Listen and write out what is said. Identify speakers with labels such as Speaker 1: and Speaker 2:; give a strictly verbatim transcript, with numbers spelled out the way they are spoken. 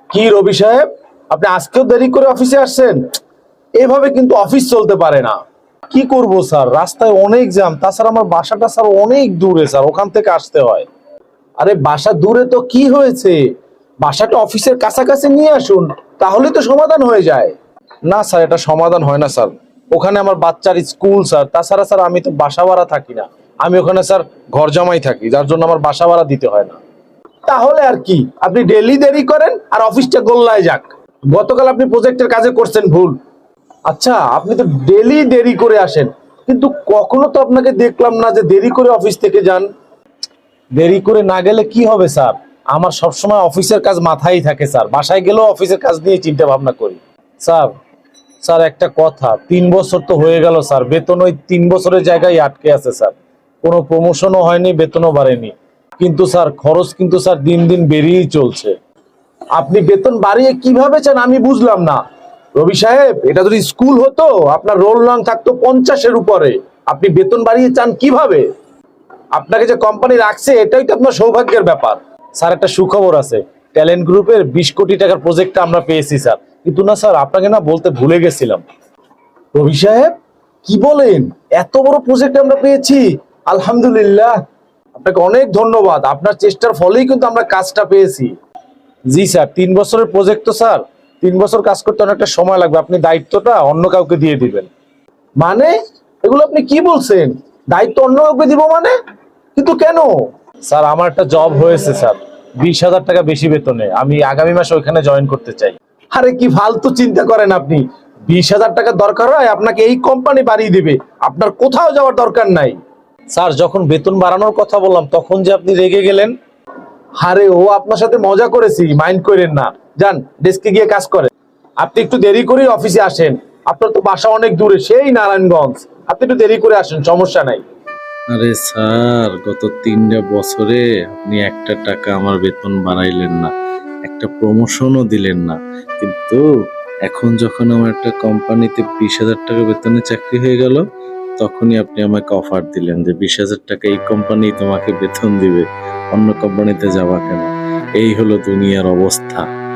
Speaker 1: কি রবি সাহেব, আপনি আজকেও দেরি করে অফিসে আসছেন? এভাবে কিন্তু অফিস চলতে পারে না। কি করব স্যার, রাস্তায় অনেক জ্যাম, তাছাড়া আমার বাসাটা স্যার অনেক দূরে স্যার, ওখান থেকে আসতে হয়। আরে বাসা দূরে তো কি হয়েছে, বাসাটা অফিসের কাছাকাছি নিয়ে আসুন, তাহলে তো সমাধান হয়ে যায়। না স্যার, এটা সমাধান হয় না স্যার। ওখানে আমার বাচ্চার স্কুল স্যার, তাছাড়া স্যার আমি তো বাসা ভাড়া থাকি না, আমি ওখানে স্যার ঘর জামাই থাকি, যার জন্য আমার বাসা ভাড়া দিতে হয় না। তাহলে আর কি, আপনি ডেলি দেরি করেন আর অফিসটা গোল্লায় যাক। গতকাল আপনি প্রজেক্টের কাজে করছেন ভুল। আচ্ছা, আপনি তো ডেলি দেরি করে আসেন, কিন্তু কখনো তো আপনাকে দেখলাম না যে দেরি করে অফিস থেকে যান। দেরি করে না গেলে কি হবে স্যার, আমার সবসময় অফিসের কাজ মাথায় থাকে স্যার, বাসায় গেলেও অফিসের কাজ নিয়ে চিন্তা ভাবনা করি। স্যার, স্যার একটা কথা, তিন বছর তো হয়ে গেল স্যার, বেতন ওই তিন বছরের জায়গায় আটকে আছে স্যার, কোনো প্রমোশনও হয়নি, বেতনও বাড়েনি। কিন্তু স্যার খরচ কিন্তু স্যার দিন দিন বেরিয়েই চলছে। আপনি বেতন বাড়িয়ে কিভাবে চান আমি বুঝলাম না। রবি সাহেব, এটা যদি স্কুল হতো আপনার রোল রং থাকতো পঞ্চাশের উপরে, আপনি বেতন বাড়িয়ে চান কিভাবে? আপনাকে যে কোম্পানি রাখছে এটাই তো আপনার সৌভাগ্যের ব্যাপার। স্যার একটা সুখবর আছে, ট্যালেন্ট গ্রুপের বিশ কোটি টাকার প্রজেক্টটা আমরা পেয়েছি স্যার। কিন্তু না স্যার, আপনাকে না বলতে ভুলে গেছিলাম। রবি সাহেব, কি বলেন, এত বড় প্রজেক্ট আমরা পেয়েছি? আলহামদুলিল্লাহ, আপনাকে অনেক ধন্যবাদ, আপনার চেষ্টার ফলেই কিন্তু আমরা কাজটা পেয়েছি। জি স্যার, তিন বছরের প্রজেক্ট তো স্যার, তিন বছর কাজ করতে অনেকটা সময় লাগবে, আপনি দায়িত্বটা অন্য কাউকে দিয়ে দিবেন। মানে এগুলো আপনি কি বলছেন, দায়িত্ব অন্য কাউকে দিব মানে? কিন্তু কেন? স্যার আমার একটা জব হয়েছে স্যার, বিশ হাজার টাকা বেশি বেতনে, আমি আগামী মাসে ওইখানে জয়েন করতে চাই। আরে কি ফালতু চিন্তা করেন আপনি, বিশ হাজার টাকা দরকার হয় আপনাকে এই কোম্পানি বাড়িয়ে দিবে, আপনার কোথাও যাওয়ার দরকার নাই। স্যার যখন বেতন বাড়ানোর কথা বললাম তখন যে আপনি রেগে গেলেন। আরে ও আপনার সাথে মজা করেছি, মাইন্ড করেন না, যান ডেস্কে গিয়ে কাজ করেন। আপনি একটু দেরি করে অফিসে আসেন, আপনার তো বাসা অনেক দূরে, সেই নারায়ণগঞ্জ, আপনি একটু দেরি করে আসেন, সমস্যা নাই।
Speaker 2: আরে স্যার, গত তিনটা বছরে আপনি একটা টাকা আমার বেতন বাড়াইলেন না, একটা প্রমোশনও দিলেন না, কিন্তু এখন যখন আমার একটা কোম্পানিতে বিশ হাজার টাকা বেতনে চাকরি হয়ে গেল, তখনই আপনি আমাকে অফার দিলেন যে বিশ হাজার টাকা এই কোম্পানি তোমাকে বেতন দিবে, অন্য কোম্পানিতে যাবা কেন? এই হলো দুনিয়ার অবস্থা।